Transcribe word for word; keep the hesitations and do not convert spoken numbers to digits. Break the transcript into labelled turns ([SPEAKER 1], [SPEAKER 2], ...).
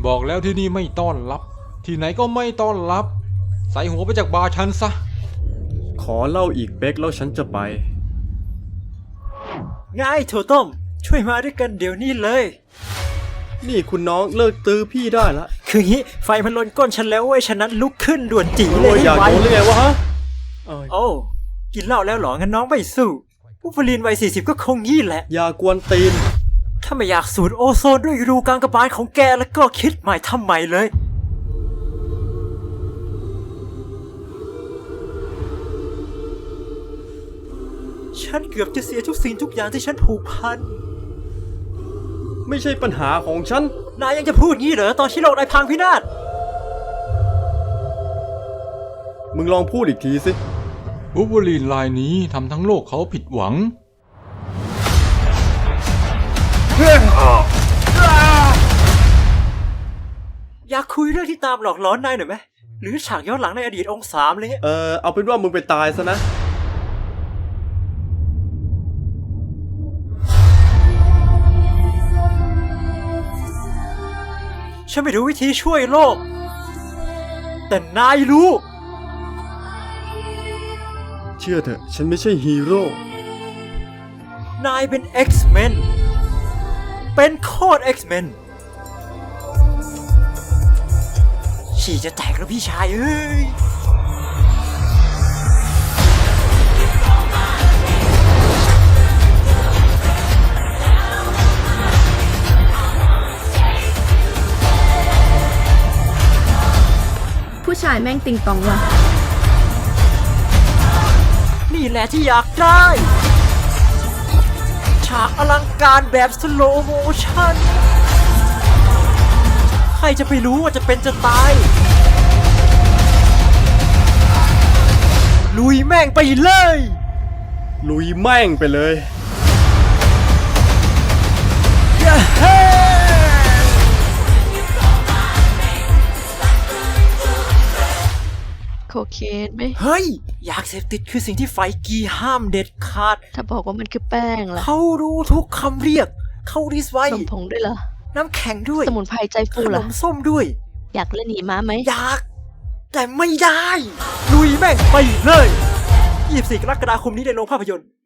[SPEAKER 1] บอกแล้วที่นี่ไม่ต้อนรับที่ไหนก็ไม่ต้อนรับใส่หัวไปจากบาร์ฉันซะ
[SPEAKER 2] ขอเล่าอีกเป๊กแล้วฉันจะไป
[SPEAKER 3] ง่ายถั่วต้มช่วยมาด้วยกันเดี๋ยวนี้เลย
[SPEAKER 2] นี่คุณน้องเลิกตื้อพี่ได้ละ
[SPEAKER 3] คืองี้ไฟมันลนก้นฉันแล้วเว้ยฉะนั้นลุกขึ้นด่วนจีเล
[SPEAKER 2] โอ้
[SPEAKER 3] ย
[SPEAKER 2] ยอยาก
[SPEAKER 3] ไว
[SPEAKER 2] โดนเลยไงวะฮะ
[SPEAKER 3] โอ้กินเหล้าแล้วเหรองั้นน้องไม่สู้ผู้ผลินวัยสี่สิบก็คงงี้แหละ
[SPEAKER 2] อย่ากวนตีน
[SPEAKER 3] ถ้าไม่อยากสูดโอโซนด้วยรูกลางกระบาลของแกแล้วก็คิดใหม่ทำใหม่เลยฉันเกือบจะเสียทุกสิ่งทุกอย่างที่ฉันผูกพัน
[SPEAKER 2] ไม่ใช่ปัญหาของฉัน
[SPEAKER 3] นายยังจะพูดงี้เหรอตอนที่โลกนายพังพินาศ
[SPEAKER 2] มึงลองพูดอีกทีสิ
[SPEAKER 1] วูล์ฟเวอรีนลายนี้ทำทั้งโลกเขาผิดหวัง
[SPEAKER 3] อยากคุยเรื่องที่ตามหลอกหลอนนายหน่อยไหมหรือฉากย้อนหลังในอดีตองค์สามอะไรเงี้ย
[SPEAKER 2] เออเอาเป็นว่ามึงไปตายซะนะ
[SPEAKER 3] ฉันไม่รู้วิธีช่วยโลกแต่นายรู้
[SPEAKER 2] เชื่อเถอะฉันไม่ใช่ฮีโร่
[SPEAKER 3] นายเป็น X-Men เป็นโคตร X-Men ฉี่จะแตกแล้วพี่ชายเอ้ย
[SPEAKER 4] ผู้ชายแม่งติงตองว่ะ
[SPEAKER 3] นี่แหละที่อยากได้ฉากอลังการแบบสโลโมชั่นใครจะไปรู้ว่าจะเป็นจะตายลุยแม่งไปเลย
[SPEAKER 2] ลุยแม่งไปเลย
[SPEAKER 4] โคเคนไหม
[SPEAKER 3] เฮ้ยอยากเสพติดคือสิ่งที่ไฟกีห้ามเด็ดขาด
[SPEAKER 4] ถ้าบอกว่ามันคือแป้งล่ะ
[SPEAKER 3] เขารู้ทุกคำเรียกเขาริสไว้
[SPEAKER 4] นมผงด้วยเหรอ
[SPEAKER 3] น้ำแข็งด้วย
[SPEAKER 4] สมุนไพรใจฟู
[SPEAKER 3] ขน
[SPEAKER 4] ล่ะ
[SPEAKER 3] มส้มด้วย
[SPEAKER 4] อยากเล่นหนีม้าไหม
[SPEAKER 3] อยากแต่ไม่ได้ลุยแม่งไปเลยยี่สิบสี่กรกฎาคมนี้ในโรงภาพยนตร์